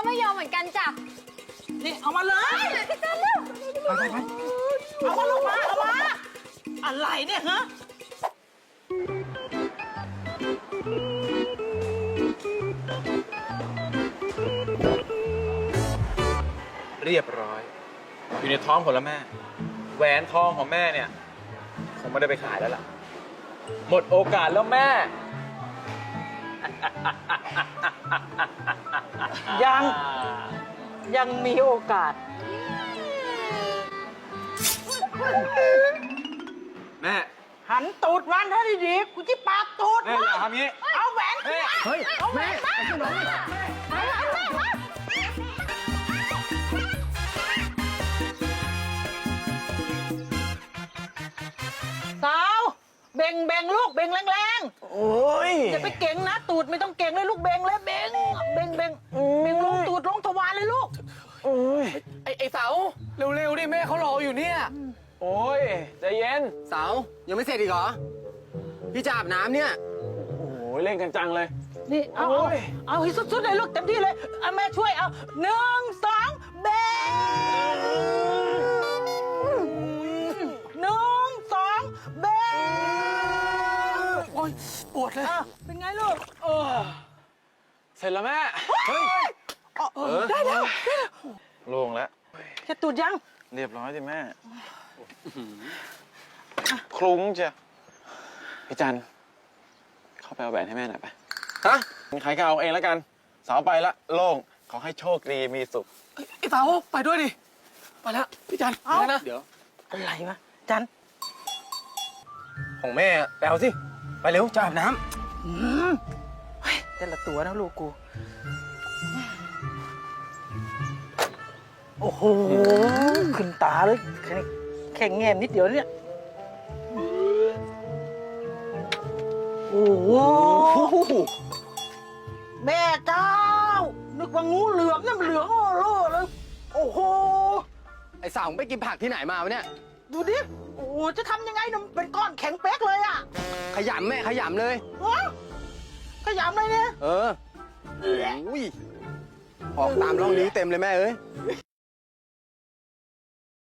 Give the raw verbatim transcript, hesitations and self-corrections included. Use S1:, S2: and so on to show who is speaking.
S1: ไม่ยอมเหมือนกันจ้ะ
S2: นี่เอามาเลยพี่จันเร็วไปไปไปเอามาลูกมาเอามาอะไรเนี่ยฮะ
S3: เรียบร้อย อยู่ในท้องผมแล้วแม่ แหวนทองของแม่เนี่ยคงไม่ได้ไปขายแล้วล่ะ หมดโอกาสแล้วแม่
S2: ยังยังมีโอกาส
S3: แม่
S2: หันตูดวันให้ดีๆกูจะปาดตูด
S3: แม่อย่าทำงี้
S2: เอาแหวนขึ้นมา
S3: เฮ้ย
S2: เอาแหวนมาสาวเบ่งเบ่งลูกเบ่งแรงๆโอ้ยอย่าไปเก่งนะตูดไม่ต้องเก่งเลยลูกเบ่งเลยเบ่งเบ่งเบ่งเบ่งลงตูดลงทวารเลยลูก
S4: ไอ้ไอ้เสาเร็วๆดิแม่เขารออยู่เนี่ย
S3: โอ้ยใจเย็น
S4: เสายังไม่เสร็จอีกเหรอพี่จะอาบน้ำเนี่ย
S3: โอ้ยเล่นกันจังเลย
S2: นี่เอาเอาเอาให้สุดๆเลยลูกเต็มที่เลยเอาแม่ช่วยเอาหนึ่งสองเบ่งหนึ่งสองเบ่ง
S4: โอ๊ยปวดเลย
S2: อ่ะเป็นไงลูก
S4: เออเสร็จแล้วแม่เฮ้ย
S2: เออได้แล้วได้แล้ว
S3: โล่งแล้ว
S2: แค่ตูดยัง
S3: เรียบร้อยสิแม่ คลุ้งจ้ะพี่จัน เข้าไปเอาแหวนให้แม่หน่อยไป
S4: ฮะ
S3: ใครก็เอาเองแล้วกัน สาวไปละโล่ง ขอให้โชคดีมีสุข
S4: ไอ้เสาไปด้วยดิไปแล้วพี่จัน
S2: เอา
S4: ไปนะเดี๋ยว
S2: อะไรวะจัน
S4: ของแม่ไปเอาสิไปเร็วจะอาบน้
S2: อืมเฮ้ยแต่ละตัวนะลูกกู โอ้โห ขึ้นตาเลยแค่แค่แง้มนิดเดียวเนี่ย โอ้โห แม่เจ้า นึกว่างูเหลือมเนี่ยมันเหลืองโอ้โหเลย โอ้โห
S4: ำไอ้เสาไปกินผักที่ไหนมาวะเนี่ย
S2: ดูดิ โอ้โห จะทำยังไงเนี่ยมันเป็นก้อนแข็งเป๊กเลยอะ
S4: ขยำแม่ขยำเลย
S2: ฮะขยำเลยเนี่ย
S4: เอออุ้ยออกตามร่องนิ้วเต็มเลยแม่เอ้ย